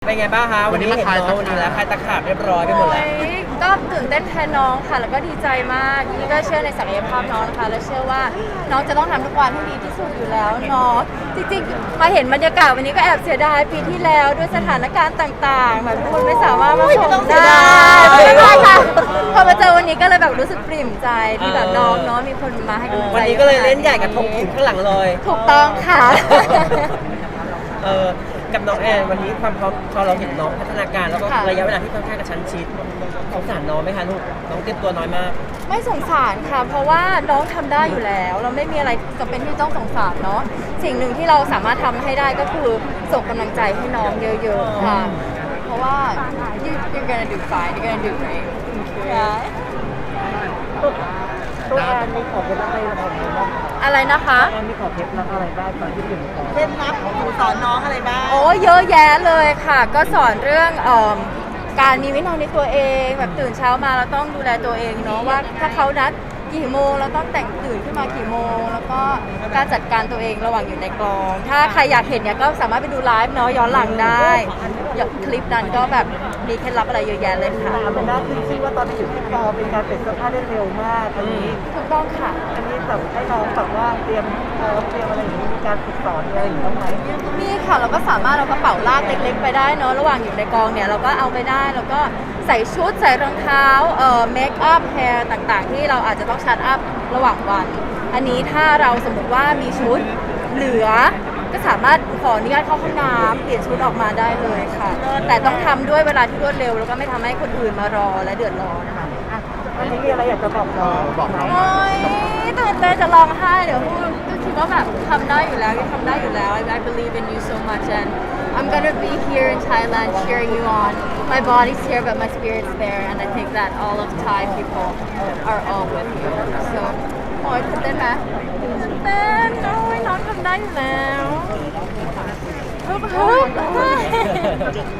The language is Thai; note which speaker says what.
Speaker 1: เป็นไงบ้างคะวันนี้เห็นน้องวันนี้แล้วใครตะขาบเรียบร้อยไปหมดแล้ว
Speaker 2: ก็ตื่นเต้นแทนน้องค่ะแล้วก็ดีใจมากนี่ก็เชื่อในศักยภาพน้องนะคะและเชื่อว่าน้องจะต้องทำทุกวันให้ดีที่สุดอยู่แล้วเนาะจริงๆมาเห็นบรรยากาศวันนี้ก็แอบเสียดายปีที่แล้วด้วยสถานการณ์ต่างๆแบบทุกคนไม่สามารถมาชมได้ไม่ได้ค่ะพอมาเจอวันนี้ก็เลยแบบรู้สึกปริ่มใจที่แบบน้องเนาะมีคนมาให้กำลังใจ
Speaker 1: วันนี้ก็เลยเล่นใหญ่กับธงขุนข้างหลังเลย
Speaker 2: ถูกต้องค่ะ
Speaker 1: กับน้องแอนวันนี้ความพอเราเห็นน้องพัฒนาการแล้วก็ระยะเวลาที่ค่อนข้างกระชั้นชิดสงสารน้องไหมคะลูกน้องเตรียมตัวน้อยมาก
Speaker 2: ไม่สงสารค่ะ เพราะว่าน้องทำได้อยู่แล้ว เราไม่มีอะไรจำเป็นที่ต้องสงสารเนาะสิ่งหนึ่งที่เราสามารถทำให้ได้ก็คือส่งกำลังใจให้น้องเยอะๆค่ะ เพราะว่า you're gonna do fine you're gonna do great yeah
Speaker 3: ตัวแอนมีขอเคล็ดลับอะไรของน้องบ้าง
Speaker 2: อะไรนะคะ
Speaker 3: แอนมีขอเคล็ดลับอะไรบ้างตอนที่อยู่ในกอง
Speaker 4: เคล็ดลับของหนูสอนน้องอะไรบ้าง
Speaker 2: โอ้เยอะแยะเลยค่ะ ก็สอนเรื่องการมีวินัยในตัวเองแบบตื่นเช้ามาเราต้องดูแลตัวเองเนาะว่าถ้าเขานัดกี่โมงเราต้องแต่งตื่นขึ้นมากี่โมง แล้วก็การจัดการตัวเองระหว่างอยู่ในกอง ถ้าใครอยากเห็นเนี่ยก็สามารถไปดูไลฟ์เนาะย้อนหลังได้คลิปนั้นก็แบบมีเคล็ดลับอะไรเยอะแยะเลยค่ะ
Speaker 3: เป็นหน้าขึ้นชื่อว่าตอนที่อยู่ที่กองเป็นการเปลี่ยนเสื้อผ้าได้เร็วมากอันนี้
Speaker 2: ถูกต้องค่ะ
Speaker 3: อันนี้แบบให้น้องแบบว่าเตรียมอะไรอย่างนี้มีการฝึกสอนอะไรอย่างนี้บ้างไหม
Speaker 2: มีค่ะเราก็สามารถเอากระเป๋าลากเล็กๆไปได้เนอะระหว่างอยู่ในกองเนี่ยเราก็เอาไปได้แล้วก็ใส่ชุดใส่รองเท้าเมคอัพแฮร์ต่างๆที่เราอาจจะต้องชัดอัพระหว่างวัน อันนี้ถ้าเราสมมติว่ามีชุดเหลือก็สามารถขออนุญาตเข้าห้องน้ำเปลี่ยนชุดออกมาได้เลยค่ะ แต่ต้องทำด้วยเวลาที่รวดเร็วแล้วก็ไม่ทำให้คนอื่นมารอและเดือดร้อนนะคะ
Speaker 3: อันนี้มีอะไรอยากจะบอกน้องบอกน้อง
Speaker 2: โอ้ยตื่นเต้นจะร้องไห้เดี๋ยวพูดก็คิดว่าแบบทำได้อยู่แล้วยังทำได้อยู่แล้ว I believe in you so much and I'm gonna be here in Thailand cheering you on my body's here but my spirit's there and I think that all of Thai people are all with you so โอ้ยตื่นเต้นไหมตื่นเต้นโอ้ยน้องทำได้อยู่แล้วฮึบ